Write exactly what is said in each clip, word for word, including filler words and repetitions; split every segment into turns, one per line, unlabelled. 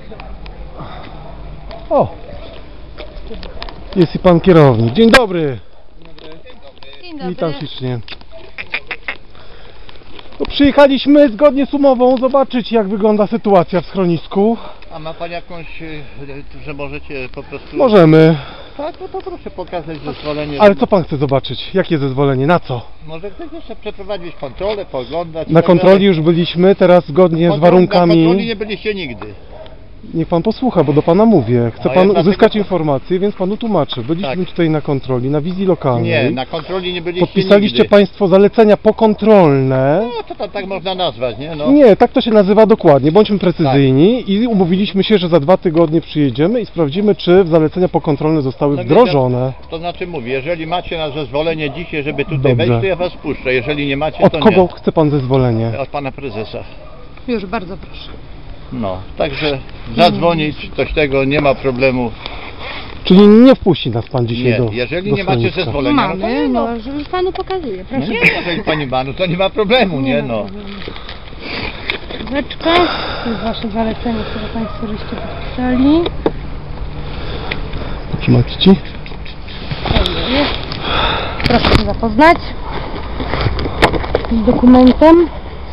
O! Jest i pan kierownik. Dzień dobry.
Dzień dobry.
Witam ślicznie. No, przyjechaliśmy zgodnie z umową zobaczyć, jak wygląda sytuacja w schronisku.
A ma pan jakąś, że możecie po prostu...
Możemy.
Tak, no to proszę pokazać zezwolenie.
Ale co pan chce zobaczyć? Jakie zezwolenie? Na co?
Może ktoś jeszcze przeprowadzić kontrolę, poglądać...
Na kontroli już byliśmy, teraz zgodnie z warunkami...
Na kontroli nie byliście nigdy.
Niech pan posłucha, bo do pana mówię. Chce
No,
pan
ja dlatego-
uzyskać informacje, więc panu tłumaczę. Byliśmy
Tak.
tutaj na kontroli, na wizji lokalnej.
Nie, na kontroli nie byliście
Podpisaliście
nigdy.
państwo zalecenia pokontrolne.
No to, to tak można nazwać, nie? No.
Nie, tak to się nazywa dokładnie. Bądźmy precyzyjni i umówiliśmy się, że za dwa tygodnie przyjedziemy i sprawdzimy, czy zalecenia pokontrolne zostały
No,
wdrożone.
To znaczy mówię, jeżeli macie na zezwolenie dzisiaj, żeby tutaj
Dobrze.
wejść, to ja was puszczę. Jeżeli nie macie,
Od
to
kogo
nie.
chce pan zezwolenie?
Od pana prezesa.
Już bardzo proszę.
No, także zadzwonić, coś tego, nie ma problemu.
Czyli nie wpuści nas pan dzisiaj
Nie,
do
jeżeli
do
nie macie
schroniska.
zezwolenia, no to
Mamy,
nie, no.
no, już panu pokazuję,
No
proszę.
nie, jeżeli pani ma, no to nie ma problemu, nie no.
Chwileczkę. To jest wasze zalecenie, które państwo żeście podpisali.
Trzymać ci?
To jest. Proszę się zapoznać z dokumentem.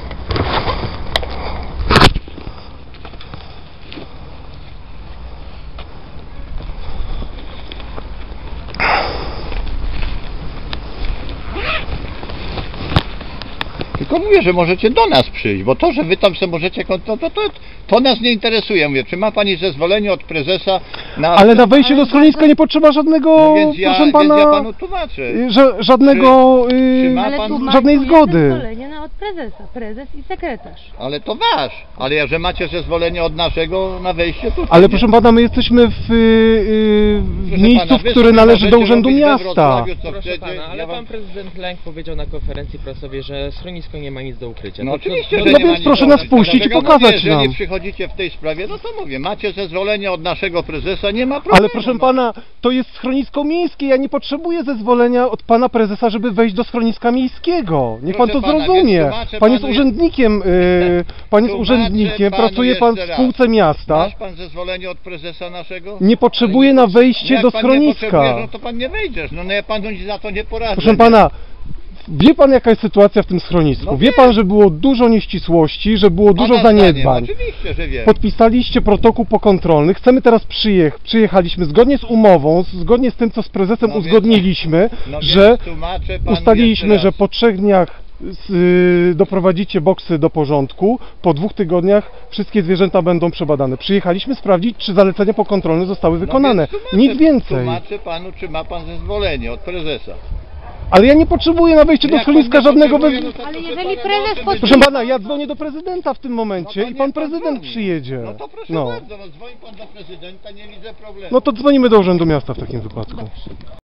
Tylko mówię, że możecie do nas przyjść, bo to, że wy tam sobie możecie, to, to, to, to nas nie interesuje. Mówię, czy ma pani zezwolenie od prezesa na...
Ale na wejście do schroniska nie potrzeba żadnego,
No więc ja,
proszę pana,
więc ja panu tłumaczę.
y, ża żadnego,
Czy-
y,
czy ma
Ale
pan
tu ma
żadnej zgody.
zezwolenie na od prezesa, prezes i sekretarz.
Ale to wasz. Ale ja, że macie zezwolenie od naszego na wejście tutaj.
Ale
nie?
proszę pana, my jesteśmy w, y, y, w
Proszę
miejscu,
pana,
w
wy
które
sobie
należy do
możecie
urzędu
robić we
miasta.
Wrocławiu, co
Proszę
chcecie,
pana, ale
ja wam-
pan prezydent Lęk powiedział na konferencji prasowej, że schronisko nie ma nic do ukrycia.
No
To- to-
oczywiście,
to-
że
no
nie ma
więc
nic
proszę
do
nas
ukrycia.
puścić i
Dlatego
pokazać
mówię, jeżeli
nam.
przychodzicie w tej sprawie, no to mówię, macie zezwolenie od naszego prezesa, nie ma problemu.
Ale proszę
no.
pana, to jest schronisko miejskie, ja nie potrzebuję zezwolenia od pana prezesa, żeby wejść do schroniska miejskiego. Niech pan
Proszę
to
pana,
zrozumie.
więc tłumaczę
Pan jest
panu-
urzędnikiem, y, pan jest
Tłumaczę
urzędnikiem,
panu
pracuje pan w
jeszcze
spółce
raz.
miasta.
Masz pan zezwolenie od prezesa naszego?
Nie potrzebuje na wejście
Jak
do
pan nie potrzebujesz,
schroniska.
no to pan nie wejdziesz, no, no ja panu za to nie poradzę.
Proszę
nie?
pana, wie pan jaka jest sytuacja w tym schronisku?
No
Wie
wiem.
pan, że było dużo nieścisłości, że było dużo
Pana zdaniem,
zaniedbań.
Oczywiście, że wiem.
Podpisaliście protokół pokontrolny, chcemy teraz przyjechać, przyjechaliśmy zgodnie z umową, zgodnie z tym, co z prezesem
No więc-
uzgodniliśmy,
No
że
więc tłumaczę panu
ustaliliśmy,
jeszcze
że
raz.
po trzech dniach z, y, doprowadzicie boksy do porządku, po dwóch tygodniach wszystkie zwierzęta będą przebadane. Przyjechaliśmy sprawdzić, czy zalecenia pokontrolne zostały wykonane.
No więc tłumaczę-
Nic więcej.
Tłumaczę panu, czy ma pan zezwolenie od prezesa.
Ale ja nie potrzebuję na wejście do
Jak pan
schroniska
nie
żadnego...
potrzebuje,
We...
no to
Ale
proszę
jeżeli
pana,
prezes
no, to
pod-
Proszę pana, ja dzwonię do prezydenta w tym momencie
No to
i
niech
pan
pan
prezydent
dzwoni.
przyjedzie.
No to proszę
No.
bardzo, no dzwoń pan do prezydenta, nie widzę problemu.
No to dzwonimy do urzędu miasta w takim wypadku.